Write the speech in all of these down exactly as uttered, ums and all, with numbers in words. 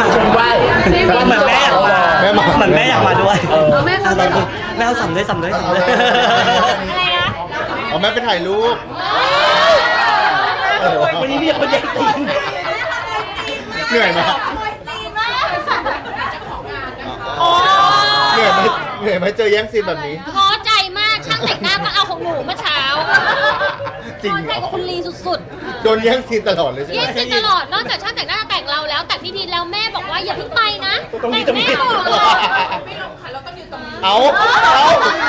มาชมว่าว่าเหมือนแม่อยากมาเหมือนแม่อยากมาด้วยแม่เอาแม่เอาสัมด้วยสัมด้วยสัมด้วยอะไรนะอ๋อแม่ไปถ่ายรูปวันนี้มีคนแย่งซีนเหนื่อยไหมเหนื่อยไหมเหนื่อยไหมเจอแย่งซีนแบบนี้ท้อใจมากช่างแต่งหน้าก็เอาของหนูเมื่อเช้าจริงท้อใจกับคุณลีสุดๆโดนแย่งซีนตลอดเลยใช่ไหมแย่งซีนตลอดนอกจากช่างแต่งหน้าแต่งเราแล้วแต่พี่พีแล้วแม่บอกว่าอย่าเพิ่งไปนะแต่งแม่ก่อนไม่ลงค่ะเราต้องอยู่ตรงนี้เอาเอา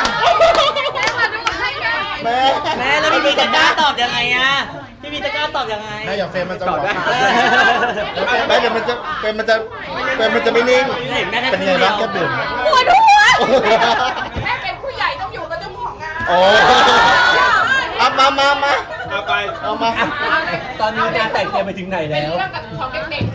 แม่แม่แล้วพี่พีจะกล้าตอบยังไงอะพี่พีจะกล้าตอบยังไงแม่อย่าเฟรมมันจะบอกแม่เดี๋ยวมันจะเฟรมมันจะเฟรมมันจะไม่นิ่งเป็นยังไงบ้างแค่ดื่มปวดหัวแม่เป็นผู้ใหญ่ต้องอยู่กับเจ้าของงานโอ้เอามามามาเอาไปเอามาตอนนี้งานแต่งเตรียมไปถึงไหนแล้วเรื่องกับของเด็ก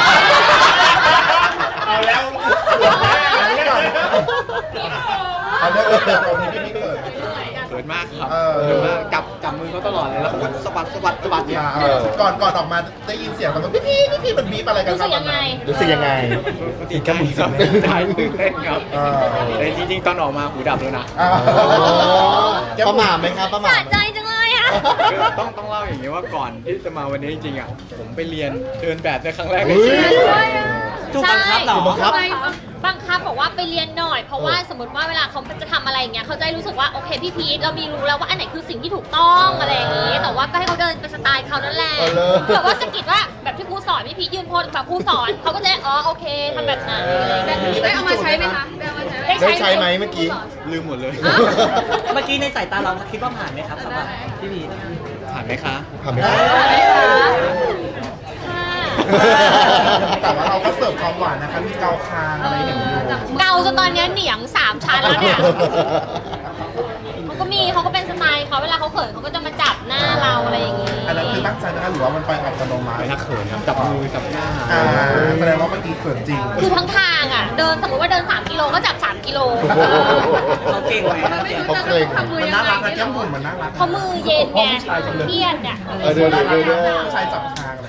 ๆเอาแล้วเอาเรื่องเอาเรื่องเอาที่พี่เกิดเกิดมากครับเกิดมากจับจับมือเขาตลอดเลยแล้วเขาก็สะบัดสะบัดสะบัดเนี่ยก่อนก่อนออกมาได้ยินเสียงมันพี่พี่พี่พี่มันบีบอะไรกันครับรู้สึกยังไงติดแค่หมุนสับได้ตื่นเต้นครับแต่จริงๆตอนออกมาหูดับแล้วนะประมาทไหมครับประมาทสะใจจังเลยอะต้องต้องเล่าอย่างนี้ว่าก่อนที่จะมาวันนี้จริงๆอ่ะผมไปเรียนเดินแบบในครั้งแรกในชีวิตถูกบังคับเหรอบังคับบังคับบอกว่าไปเรียนหน่อยเพราะว่าสมมติว่าเวลาเขาจะทำอะไรอย่างเงี้ยเขาจะรู้สึกว่าโอเคพี่พีทเรามีรู้แล้วว่าอันไหนคือสิ่งที่ถูกต้องอะไรอย่างงี้แต่ว่าก็ให้เขาเดินเป็นสไตล์เขานั่นแหละแต่ว่าสกิดว่าแบบที่ครูสอนพี่พีทยืนโพสแบบครูสอนเขาก็จะอ๋อโอเคทำแบบนั้นได้เอามาใช้ไหมคะได้ใช้ไหมเมื่อกี้ลืมหมดเลยเมื่อกี้ในสายตาเราคิดว่าผ่านไหมครับสำหรับพี่พีทผ่านไหมคะผ่านไหมแต่ว่าเราก็เสิร์ฟความหวานนะคะมีเกาคางอะไรอย่างเงี้ยเกาจนตอนนี้เหนียงสามชั้นแล้วเนี่ยเขาก็มีเขาก็เป็นสไตล์เขาเวลาเขาเขินเขาก็จะมาจับหน้าเราอะไรอย่างงี้อันนั้นคือตั้งใจนะคะหรือว่ามันไปอัตโนมัติไม่ทักเขินครับจับมือจับหน้าอ่าแสดงว่าเมื่อกี้เขินจริงคือทั้งทางอ่ะเดินสมมติว่าเดินสามกิโลก็จับสามกิโลเขาเก่งไหมเขาเก่งมันน่ารักนะแก้มบุ๋มมันน่ารักเขามือเย็นไงเครียดเนี่ยเออเดี๋ยวเดี๋ยวเดี๋ยวชายจับทางเลย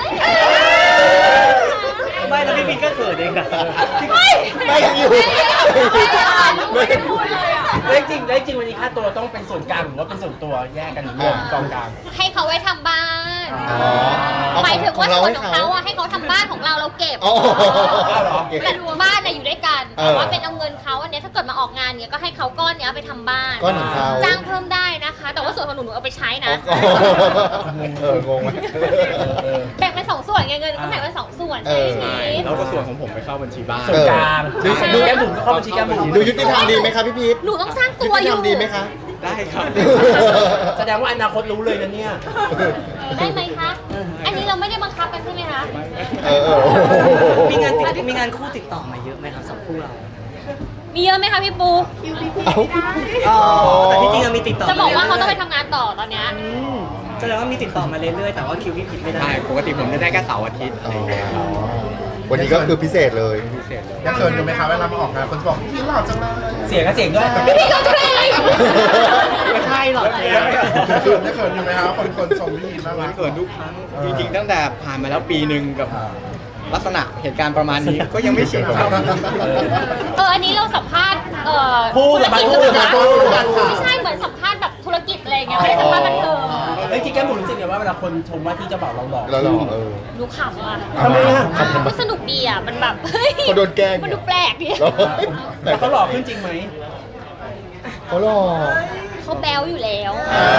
ไม่แล้วพี่พีก็เขินเองอะไม่ไม่อยู่ไม่พูดเลยอ่ะแล้วจริงแล้วจริงวันนี้ค่าตัวต้องเป็นส่วนกลางหรือว่าเป็นส่วนตัวแยกกันรวมกองกลางให้เขาไว้ทำบ้านหมายถึงว่าส่วนของเขาอะให้เขาทำบ้านของเราเราเก็บแต่บ้านเนี่ยอยู่ด้วยกันแต่ว่าเป็นเอาเงินเขาอันนี้ถ้าเกิดมาออกงานเนี้ยก็ให้เขาก้อนเนี้ยไปทำบ้านก้อนของเขาจ้างเพิ่มได้นะคะแต่ว่าส่วนของหนูหนูเอาไปใช้นะเอองงไหมแบ่งเป็นสองส่วนไงเงินก็แบ่งเป็นสองส่วนใช่ไหมแล้วก็ส่วนของผมไปเข้าบัญชีบ้านส่วนกลางดูแก้มบุ๋มเข้าบัญชีแก้มบุ๋มดูยุติธรรมดีไหมครับพี่พีทหนูต้องสร้างตัวอยู่ดีไหมคะได้ครับแสดงว่าอนาคตรู้เลยนะเนี่ยได้ไหมคะอันนี้เราไม่ได้บังคับกันใช่ไหมคะมีงานมีงานคู่ติดต่อมาเยอะไหมครับสองคู่เรามีเยอะไหมคะพี่ปูแต่ที่จริงเรามีติดต่อจะบอกว่าเขาต้องไปทำงานต่อตอนเนี้ยแสดงว่ามีติดต่อมาเรื่อยๆแต่ว่าคิวพี่ผิดไม่ได้ปกติผมจะได้แค่เสาร์อาทิตย์วันนี้ก็คือพิเศษเลยพิเศษเลยยังเขินอยู่ไหมคะเวลามาออกงานคนบอกพี่หล่อจังเลยเสียงก็เสียงด้วยพี่ก็เท่ไม่ใช่หรอกเขินยังเขินอยู่ไหมครับคนคนชมพี่น่ารักเขินทุกครั้งจริงๆตั้งแต่ผ่านมาแล้วปีหนึ่งกับลักษณะเหตุการณ์ประมาณนี้ก็ยังไม่ชินครับเอออันนี้เราสัมภาษณ์เอ่อพูดแบบพูดแบบพูดไม่ใช่เหมือนสัมภาษณ์แบบธุรกิจอะไรเงี้ยไม่ได้สัมภาษณ์บันเทิงเฮ้ยที่แก้มบุ๋มรู้สึกไงว่าเวลาคนชมว่าที่จะบอกเราหล่อเราหล่อเออดูขำอ่ะทำไมอ่ะมันสนุกดีอ่ะมันแบบเฮ้ยเขาโดนแกล้งมันดูแปลกดิแต่เขาหล่อขึ้นจริงไหมเขาหล่อเขาแบ๊วอยู่แล้ว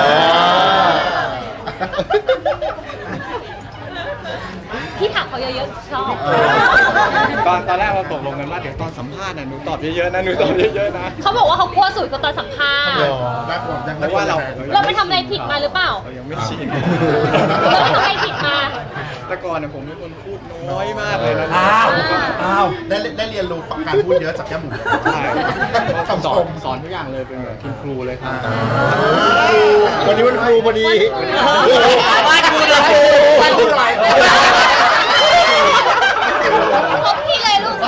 พี่ถามเขาเยอะๆชอบตอนตอนแรกเราตกลงกันว่าเดี๋ยวตอนสัมภาษณ์น่ะหนูตอบเยอะๆนะหนูตอบเยอะๆนะเขาบอกว่าเขากลัวสุดกว่าตอนสัมภาษณ์เพราะว่าเราเราไปทำอะไรผิดมาหรือเปล่าเรายังไม่ชินเราไปทำอะไรผิดมาแต่ก่อนเนี่ยผมเป็นคนพูดน้อยมากเลยนะอ้าวอ้าวได้ได้เรียนรู้การพูดเยอะจากแก้มบุ๋มใช่สอนสอนทุกอย่างเลยเป็นแบบคุณครูเลยครับวันนี้วันครูพอดีวันครูเลยวันครูเลยพบพี่เลยลูก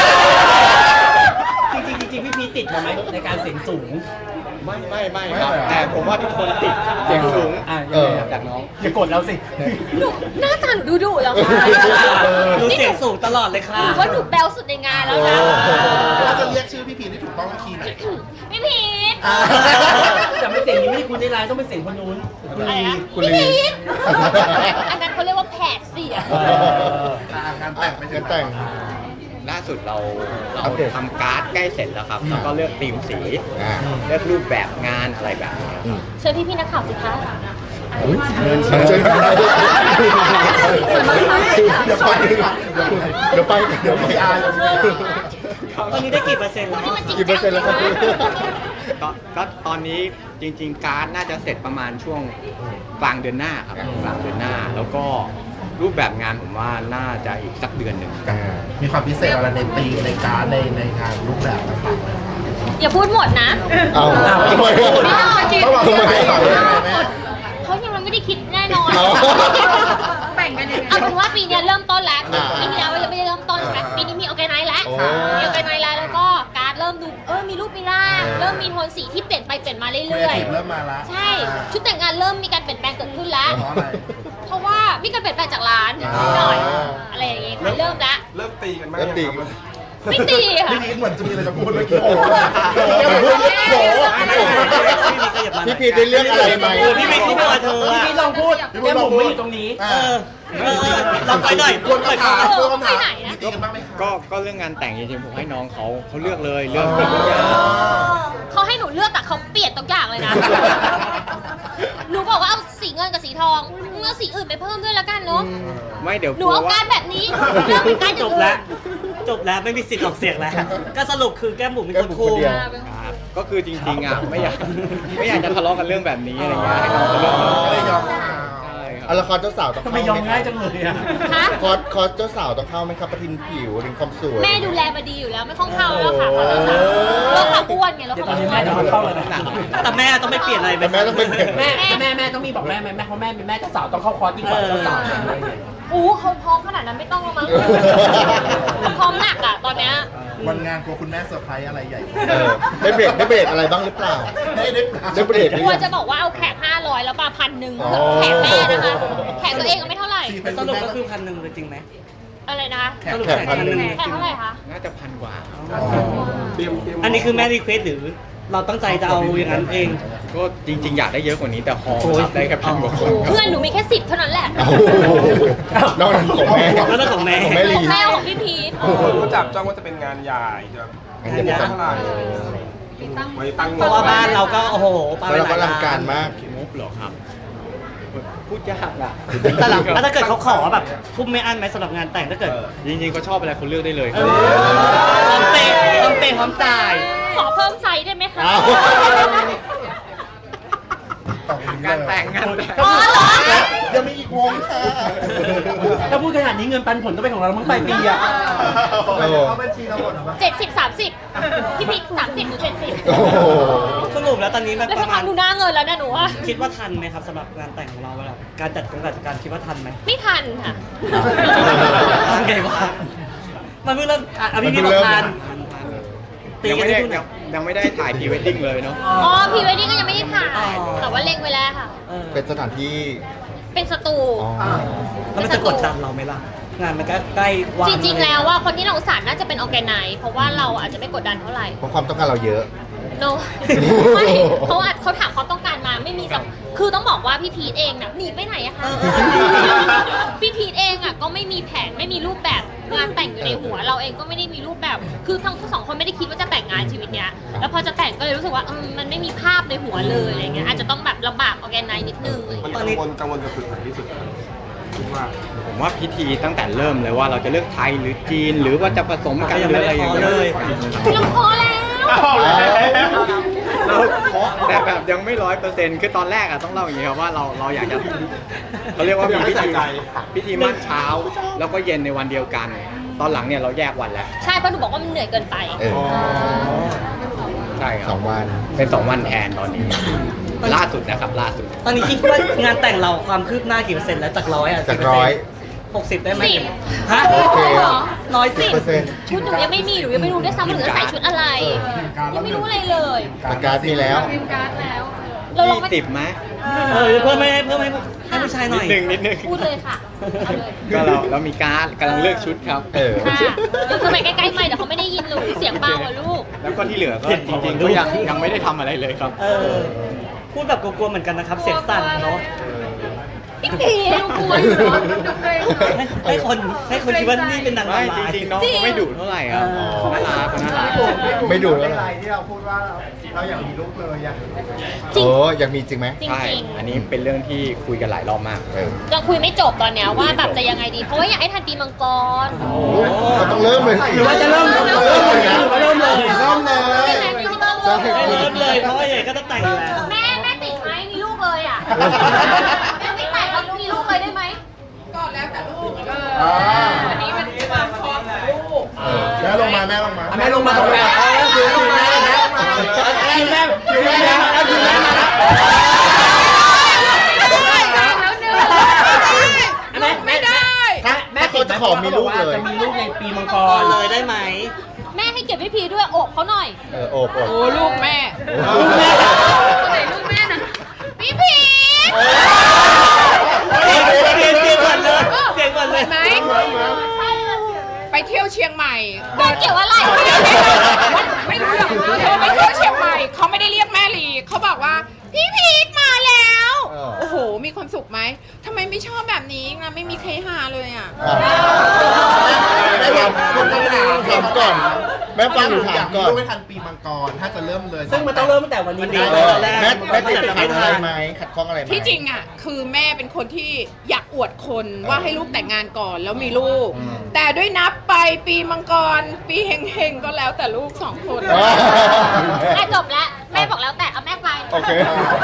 จริงจริงจริงพี่พีติดมาไหมในการเสียงสูงไม่ไม่ไม่ครับแต่ผมว่าทุกคนติดเสียงสูงอ่าจากน้องยังกดแล้วสิหนูหน้าตาหนูดูดุแล้วค่ะดูเสียงสูงตลอดเลยค่ะหนูว่าหนูแบลสุดในงานแล้วนะเราจะเรียกชื่อพี่พีที่ถูกต้องคีย์ไหนพี่พีทแต่ไม่เสียงนี้ไม่ใช่คุณในไลน์ต้องเป็นเสียงคนนู้นคุณอะไรลีนะคุณพี่ลีพีทอันนั้นเขาเรียกว่าแผดเสียงงานแต่งไปถึงแต่งล่าสุดเราเราอัปเดตทำการ์ดใกล้เสร็จแล้วครับ แล้วก็เลือกธีมสีอ่าเลือกรูปแบบงานอะไรแบบนี้ครับเชิญพี่พี่ๆนักข่าวสิคะเชิญเดี๋ยวไปเดี๋ยวไปเดี๋ยวไปอายตอนนี้ได้กี่เปอร์เซ็นต์แล้วนี่มันจริงกี่เปอร์เซ็นต์แล้วครับก็ก็ตอนนี้จริง ๆ การ์ดน่าจะเสร็จประมาณช่วงกลางเดือนหน้าครับกลางเดือนหน้า แล้วก็รูปแบบงานผมว่าน่าจะอีกสักเดือนหนึ่งมีความพิเศษอะไรในปีในการในในงานรูปแบบต่างๆไหมอย่าพูดหมดนะเอาทำไมต้องบอกทำไมให้ต่อเลยแม่เขายังไม่ได้คิดแน่นอนเอาแบ่งกันยังไงเอาเป็นว่าปีเนี้ยเริ่มต้นแล้วอ่าปีที่แล้วยังไม่ได้เริ่มต้นใช่ไหมปีนี้มีออแกไนซ์แล้วโอ้มีออแกไนซ์แล้วแล้วก็การ์ดเริ่มดูเออมีรูปมีร่างเออเริ่มมีโทนสีที่เปลี่ยนไปเปลี่ยนมาครีเรื่เออยทีฟเริ่มมาละๆ ใช่ ชุดแต่งงานเริ่มมีการเปลี่ยนแปลงเกิดขึ้นแล้วเพราะอะไรเพราะว่ามีการเปลี่ยนแปลงจากร้านอ่าหน่อยอะไรอย่างเงี้ยค่ะเริ่มแล้วเริ่มตีกันไหมเริ่มตีไม่ตีค่ะพี่พีทเหมือนจะมีอะไรจะพูดเมื่อกี้โอ้โหโอ้โหพี่พีทได้เรื่องอะไรไหมโอ้พี่ไม่คิดว่าเธอพี่อะพี่ลองพูดแก้มผมไม่อยู่ตรงนี้เออเออเออลองไปหน่อยกวนคำถามเออกวนคำถามไปไหนนะมีตีกันบ้างไหมคะก็ก็เรื่องงานแต่งจริงๆผมให้น้องเขาเขาเลือกเลยเลือกทุกอย่างเขาให้หนูเลือกแต่เขาเปลี่ยนทุกอย่างเลยนะ หนูบอกว่าเอาสีเงินกับสีทองมึงเอาสีอื่นไปเพิ่มด้วยแล้วกันเนาะไม่เดี๋ยวหนูเอาการแบบนี้เลือกเป็นการอจย่างบอื่แล้วนจบแล้วไม่มีสิทธิ์ออกเสียงแล้ว ก็สรุปคือแก้มบุ๋มเป็นคนแก้มบุ๋คุมมคนเดียวครับก็คือจริงๆอ่ะไม่อยากไม่อยากจะทะเลาะกันเรื่องแบบนี้อะไรเงี้ยให้น้องเขาเลือกไม่ได้ยอมใช่คเอารับละครเจ้าสาวต้องทำเข้าไมไหยอมมง่ายจังเลยอ่ะฮะคอร์สคอร์สเจ้าสาวต้องเข้าไหมครับประทินผิวถึงความสวยแม่ดูแลมาดีอยู่แล้วไม่ต้องเข้าแล้วค่ะเขาจะสั่งเราขาอ้วนไงเราเดี๋ยวตขาอนนี้อ้วแม่นจะมาเข้าแล้วนะแต่แม่ต้องไม่เปลี่ยนอะไรแต่แม่ต้องเป็นแม่แม่แม่ต้องมีบอกแม่ไหมแม่เพราะแม่เป็นแม่เจ้าสาวต้องเข้าคอร์สยิ่งกว่าเจ้าสาวอะไรอย่างเงี้ยอู้เขาพร้อมขนาดนั้นไม่ต้องแล้วมั้งเขาพร้อมหนักอ่ะตอนเนี้ยวันงานกลัวคุณแม่เซอร์ไพรส์อะไรใหญ่เออได้เบรกได้เบรกอะไรบ้างหรือเปล่าได้ได้ได้เบรกหรืกอลัวยังจะบอกว่าเอาแขกห้าร้อยแล้วมาพันหนึ่งอ๋อแขกแม่นะคะแขกตัวเองก็ไม่เท่าไหร่สรุปก็คือพันหนึ่งเลยจริงไหมอะไรนะคะสรุปแขกพันหนึ่งแขกเท่าไหร่คะน่าจะพันกว่าเตรียมเตรียมอันนี้คือแม่รีเควสหรือเราตั้งใจจะเอาอย่างนั้นเองก็จริง ๆ อยากได้เยอะกว่านี้แต่พอโอ้ยรับได้แค่พันกว่าคนครับเพื่อนหนูมีแค่สิบเท่านั้นแหละโอ้โหนอกนั้นของแม่แล้วก็ของแม่ของแม่ลีของแม่ของพี่พีทคนก็จับจ้องว่าจะเป็นงานใหญ่จะงานใหญ่เท่าไหร่ไว้ตั้งเพราะว่าบ้านเราก็โอ้โหปาไปแล้วหเราลายก็ลังการมากงบเหรอครับ พูดยากอ่ะแต่หลังแล้วถ้าเกิดเขาขอแบบทุ่มไม่อั้นไหมสำหรับงานแต่งถ้าเกิดจริงๆเขาชอบอะไรเขาเลือกได้เลยเออพร้อมเปย์พร้อมเปย์พร้อมจ่ายขอเพิ่มไซส์ได้ไหมคะอ้าวงานแต่งงานแต่งอ๋อเหรอยังมีอีกวงค่ะถ้าพูดขนาดนี้เงินปันผลต้องเป็นของเราแล้วมั้งปลายปีอ่ะเอาบัญชีเราหมดหรอเจ็ดสิบสามสิบพี่พีทสามสิบหรือเจ็ดสิบโอ้โหสรุปแล้วตอนนี้แบบแล้วปสักระพัมาก ณดูหน้าเงินแล้วนะหนูว่าคิดว่าทันไหมครับสำหรับงานแต่งของเราเวลาการจัดการจัดการคิดว่าทันไหมไม่ทันค่ะทำไงวะมันเพิ่งเริ่มอ่ะอ่ะพี่พี่บอกทัน ตียังกันไม่ที่ได้นู่นยัอ่ะงยังไม่ได้ถ่ายพรีเวดดิ้งเลยเนาะอ๋อพรีเวดดิ้งก็ยังไม่ได้ถ่ายอ๋อแต่ว่าเล็งไว้แล้วค่ะเออเป็นสถานที่เป็นสตูอ๋อแล้วมันจะกดดันเราไหมล่ะ งานมันก็ใกล้วางจริงๆแล้วว่าคนที่เราสารน่าจะเป็นออแกไนซ์เพราะว่าเราอาจจะไม่กดดันเท่าไหร่เพราะความต้องการเราเยอะ no ไม่เขาอาจเขาถามความต้องการมาไม่มีสักคือต้องบอกว่าพี่พีทเองน่ะหนีไปไหนอะคะ พี่พีทเองอะก็ไม่มีแผนไม่มีรูปแบบงานแต่งอยู่ในหัว เราเองก็ไม่ได้มีรูปแบบ คือทั้งสองคนไม่ได้คิดว่าจะแต่งงานชีวิตเนี้ยแล้วพอจะแต่งก็เลยรู้สึกว่าเออมันไม่มีภาพในหัวเลยอะไรเงี้ยอาจจะต้องแบบลำบากออแกไนซ์นิดนึงอะไรมันเงี้ยกังวลกังวลกับจุดไหนที่สุดคิดว่าผมว่าพิธีตั้งแต่เริ่มเลยว่าเราจะเลือกไทยหรือจีน หรือว่าจะผสมกันหรืออะไรอย่างเงี้ยเราพอแล้วเราเคาะแต่แบบยังไม่ร้อยเปอร์เซ็นต์คือตอนแรกอะต้องเล่าอย่างนี้ครับว่าเราเราอยากจะเขาเรียกว่ามีพิธีพิธีมั่นเช้า แล้วก็เย็นในวันเดียวกัน ตอนหลังเนี่ยเราแยกวันแล้วใช่เพราะหนูบอกว่ามันเหนื่อยเกินไปเออใช่คสรัอบ งวันเป็นสองวันแทนตอนนี้ ล่าสุดนะครับล่าสุดตอนนี้คิดว่างานแต่งเราความคืบหน้ากี่เปอร์เซ็นต์แล้วจากร้อยอ่ะจากร้อยหกสิบได้ไหมสิบฮะโอเคเหรอร้อยสิสิบบ เปอร์เซ็นต์ชุดหนูยังไม่มีหนูยังไม่รู้ด้วยซ้ำว่าหนูจะใส่ชุดอะไรยังไม่รู้อะไรเลยประกาศมีแล้วพิมพ์การ์ดแล้วรเราลองยี่ไม่สิบไหมเออเพิ่มให้เพิ่มให้ให้ผู้ชายหน่นิอดยนึงนิดนึงพูดเลยค่ะเอาเลยก็เราเรามีการ์ดกำลังเลือกชุดครับเออค่ะอยู่ทำไมใกล้ๆไม่เดี๋ยวเขาไม่ได้ยินหนูเสียงเบาอ่ะลูกแล้วก็ที่เหลือก็จริงๆก็ยังยังไม่ได้ทำอะไรเลยครับเออพูดแบบกลัวๆเหมือนกันนะครับ เสียงสั่นเนาะอีกทีลูกกลัวอยู่เนาะให้ให้คนให้คนคิดว่านี่เป็นนางไม่ร้ายจริงๆน้องเขาไม่ดุเท่าไหร่ครับอ๋อเขาน่ารักเขาน่ารักไม่ดูแล้วอะไรที่เราพูดว่าเราอยากมีลูกเลยอยากจริงโอ้อยากมีจริงไหมจริงใช่จริงอันนี้เป็นเรื่องที่คุยกันหลายรอบมากเออยังคุยไม่จบตอนเนี้ยว่าแบบจะยังไงดี เพราะว่าอยากให้ทันปีมังกรเราต้องเริ่มเลยหรือว่าจะเริ่มเริ่มเริ่มเลเลย ยนะหรือว่าเริ่มเลยเริ่มเลยใช่ไหมพี่ที่ต้องใช่เริ่มให้เริ่มเลยเพราะว่าใหญ่ก็ต้องแต่งอยู่แล้วแม่แม่ติดไหมมีลูกเลยอ่ะแม่ไม่แต่งเขามีลูกเลยได้ไหมก็แล้วแต่ลูกเออ่าออันนี้มันความพร้อมของลูกเออแม่ลงมาแม่ลงมาแม่ลงมาตรงกลางคือคือแม่แม่คิวแม่คิวแม่คิวแม่มาแล้วแม่แม่ได้ถ้าแม่เขาจะขอมีลูกเลยจะมีลูกในปีมังกก่อนรเลยได้ไหมแม่ให้เก็บพี่พีด้วยโอบเขาหน่อยเออโอบโอบโอ้ลูกแม่ลูกแม่ไหนลูกแม่น่ะพี่พีเสียงเสียงเสียงก่อนเลยเสียงก่อนเลยไหนไปเที่ยวเชียงใหม่แม่เกี่ยวอะไรไม่รู้เรื่องเธอไปเที่ยวเชียงใหม่เขาไม่ได้เรียกแม่ลีเขาบอกว่าพี่พีทมาแล้ว โอ้โห มีความสุขไหมทำไมไม่ชอบแบบนี้นะไม่มีใครหาเลยอ่ะแม่ถามถามก่อน แม่ฟังหนูถามก่อนไม่ทันปีมังกรถ้าจะเริ่มเลยซึ่งมันต้องเริ่มตั้งแต่วันนี้วันนี้นะเออแม่แม่ติดขัดอะไรไหมขัดข้องอะไรไหมที่จริงอ่ะคือแม่เป็นคนที่อยากอวดคนว่าให้ลูกแต่งงานก่อนแล้วมีลูกอืมแต่ด้วยนับไปปีมังกร ปีเฮงๆก็แล้วแต่ลูกสองคนอ๋อแม่จบแล้ว แม่บอกแล้วแต่เอาแม่ไปโอเค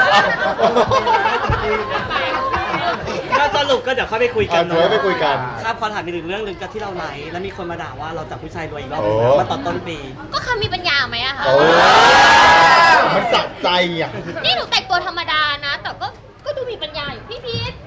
ก็สรุปก็เดี๋ยวค่อยไปคุยกัอ่ะนเดี๋ยวไปคุยกันครับพอถามอีกหนึ่งเรื่องหนึ่งก็ที่เราไลฟ์แล้วมีคนมาด่าว่าเราจับผู้ชายรวยอีกรอบโอ้นึงมาตอนต้นปีก็เขามีปัญญาไหมอะคะโอ้มันสะใจอ่ะนี่หนูแต่งตัวธรรมดานะ แต่ก็ก็ดูมีปัญญาอยู่พี่พีท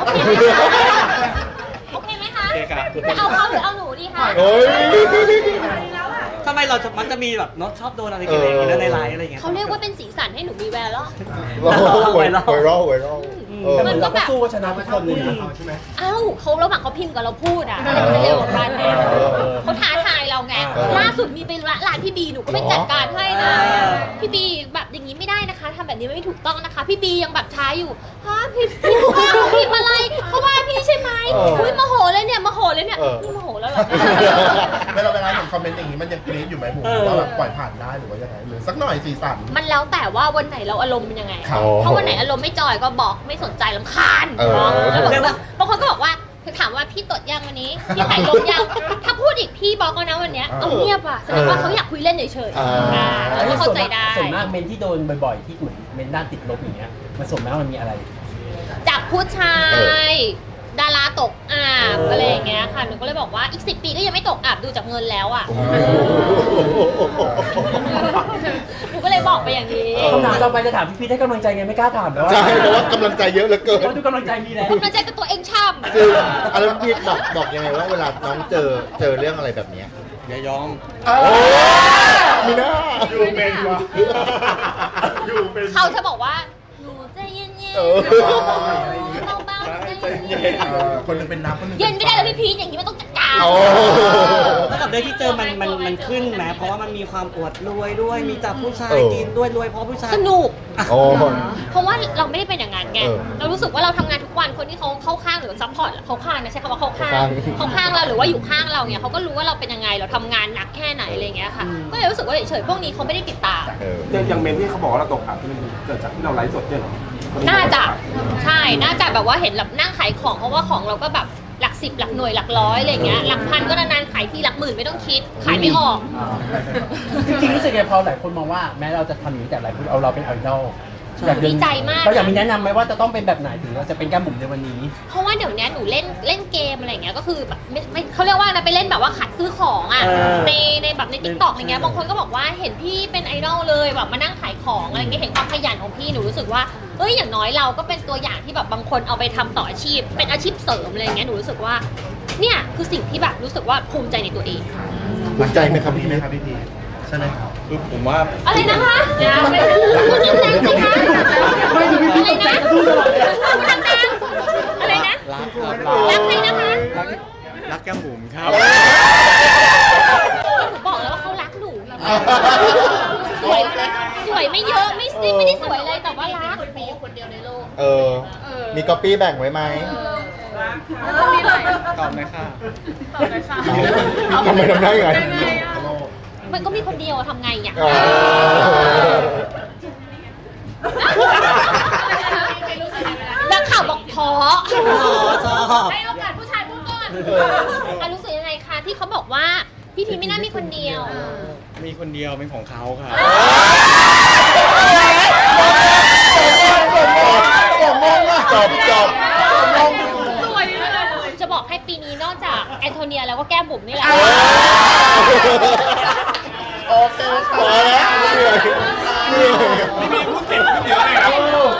โอเคไหมคะโอเคครับจะเอาเขาหรือเอาหนูดีคะโอ้ยทำไมเราจะมักจะมีแบบเนาะชอบโดนอะไรกันอย่างเงี้ยในไลฟ์อะไรอย่างเงี้ยเขาเรียกว่าเป็นสีสันให้หนูมีแวร์แล้วไวรัลไวรัลไวรัลเออแต่เหมือนเราก็สู้ชนะทุกคนเลยนะเอ้าเขาระหว่างเขาพิมพ์กับเราพูดอ่ะมันจะเร็วกว่ากันไงเออเขาท้าทายเราไงเออล่าสุดมีไปร้านพี่บีหนูก็ไปหรอจัดการให้นะเออพี่บีแบบอย่างนี้ไม่ได้นะคะทำแบบนี้ไม่ถูกต้องนะคะ พี่บียังแบบท้าอยู่ฮะพี่พี่ว่าหนูพิมพ์อะไรเขาว่าพี่ใช่ไหมเอออุ้ยโมโหเลยเนี่ยโมโหเลยเนี่ยเออนี่โมโหแล้วเหรอเวลาเวลาเห็นคอมเมนต์อย่างนี้มันยังกรี๊ดอยู่ไหมผมเออว่าแบบปล่อยผ่านได้หรือว่ายังไงหรือสักหน่อยสีสันมันแล้วแต่ว่าวันไหนเราอารมณ์เป็นยังไงครับถ้าวันไหนอารมณ์ไม่จอยก็บอกไม่สนใจลำคาญเออแล้วบอกว่าบางคนก็บอกว่าถามว่าพี่ตดยังวันนี้ พี่ถ่ายลมยัง ถ้าพูดอีกพี่บอกก็นะวันเนี้ยเออเอาเงียบอ่ะแสดงว่าเขาอยากคุยเล่นเฉยอ่าๆอ่าเราก็เข้าใจได้ส่วนมากเมนที่โดนบ่อยๆ ที่เหมือนเมนด้านติดลบอย่างเงี้ยมันส่วนมากมันมีอะไรจากผู้ชาเออย ดาราตกอาบเออออะไรอย่างเงี้ยค่ะหนูก็เลยบอกว่าอีกสิบปีก็ยังไม่ตกอาบดูจากเงินแล้วอ่ะหนูก็เลยบอกไปอย่างนี้เออคำถามต่อไปจะถามพี่พีทให้กำลังใจไงไม่กล้าถามแล้วใช่เพราะว่ากำลังใจเยอะเหลือเกินเพราะทุกกำลังใจมีแล้วกำลังใจกับตัวเองช่ำคืออะไรพี่บอกบอกยังไงว่าเวลาน้องเจอเจอเรื่องอะไรแบบเนี้ยอย่ายอมโอ้มีหน้าอยู่เป็นวะอยู่เป็นเขาจะบอกว่าหนูใจเย็นเออๆเบาๆใจเย็นเออคนหนึงเป็นน้ำคนหนึงๆเย็นไม่ได้แล้วพี่พีทอย่างนี้มันต้องจัดการโอ้แล้วกับเรื่องที่เจอมันมันมันขึ้นไหมเพราะว่ามันมีความอวดรวยด้วยมีจับผู้ชายเออกินด้วยรวยเพราะผู้ชายสนุกโอ้เพราะว่าเราไม่ได้เป็นอย่างนั้นไงเออเรารู้สึกว่าเราทำงานทุกวันคนที่เขาเข้าข้างหรือซัพพอร์ตเขาข้างนะใช้คำว่าเข้าข้างเข้าข้างเขาข้างเราหรือว่าอยู่ข้างเราเนี่ยเขาก็รู้ว่าเราเป็นยังไงเราทำงานหนักแค่ไหนอะไรอย่างเงี้ยค่ะ ก็เลยรู้สึกว่าเฉยๆพวกนี้เขาไม่ได้ติดตามเอออย่างอย่างเมนที่เขาบอกว่าเราตกอับที่มันเกิดจากที่เราไลฟ์สดเนี่ยเหรอน่าจะใช่น่าจะแบบว่าเห็นแบบนั่งขายของเพราะว่าของเราก็แบบหลักสิบหลักหน่วยหลักร้อยอะไรอย่างเงี้ยหลักพันก็นานๆขายทีหลักหมื่นไม่ต้องคิดขายไม่ออกจริงๆรู้สึกไงพอหลายคนมองว่าแม้เราจะทำอย่างนี้แต่หลายคนเอาเราเป็นไอดอลใช่อยากเนดีใจมากเราอยากมีแนะนำไหมว่าจะต้องเป็นแบบไหนถึงเราจะเป็นแก้มบุ๋มในวันนี้เพราะว่าเดี๋ยวนี้หนูเล่นเล่นเกมอะไรอย่างเงี้ยก็คือแบบไม่ไม่เขาเรียกว่านะไปเล่นแบบว่าขัดซื้อของอ่ะเออในในแบบในทิกตอกอะไรเงี้ยบางคนก็บอกว่าเห็นพี่เป็นไอดอลเลยแบบมานั่งขายของอะไรเงี้ยเห็นความขยันของพี่หนูรู้สึกว่าเอ้ยอย่างน้อยเราก็เป็นตัวอย่างที่แบบบางคนเอาไปทำต่ออาชีพ เป็นอาชีพเสริมอะไรเงี้ยหนูรู้สึกว่าเนี่ยคือสิ่งที่แบบรู้สึกว่าภูมิใจในตัวเองภูมิใจไหมครับพี่พี่ไหมเมย์ครับพี่พีคใช่ไหมครับคือผมว่าอะไรนะคะพูดดังๆสิคะอะไรนะพูดดังๆอะไรนะรักครับรักใครนะคะรักรักแก้มบุ๋มครับหนูบอกแล้วว่าเขารักหนูสวยสวยไม่เยอะไม่ซิไม่ได้สวยเลยแต่ว่ารักมีคนเดียวในโลกเออ มีก๊อปปี้แบ่งไว้ไหมตอบเลยค่ะทำไมทำได้ไงมันก็มีคนเดียวอะทำไงอ่ะอ๋อนักข่าวบอกท้อชอบให้โอกาสผู้ชายพูดก่อนอ่ะรู้สึกยังไงคะที่เขาบอกว่าพี่พีไม่น่ามีคนเดียวมีคนเดียวเป็นของเขาครับจบจบจะบอกให้ปีนี้นอกจากแอนโทเนียแล้วก็แก้มบุ๋มนี่แหละโอเคพอแล้วเหนื่อยเหนื่อย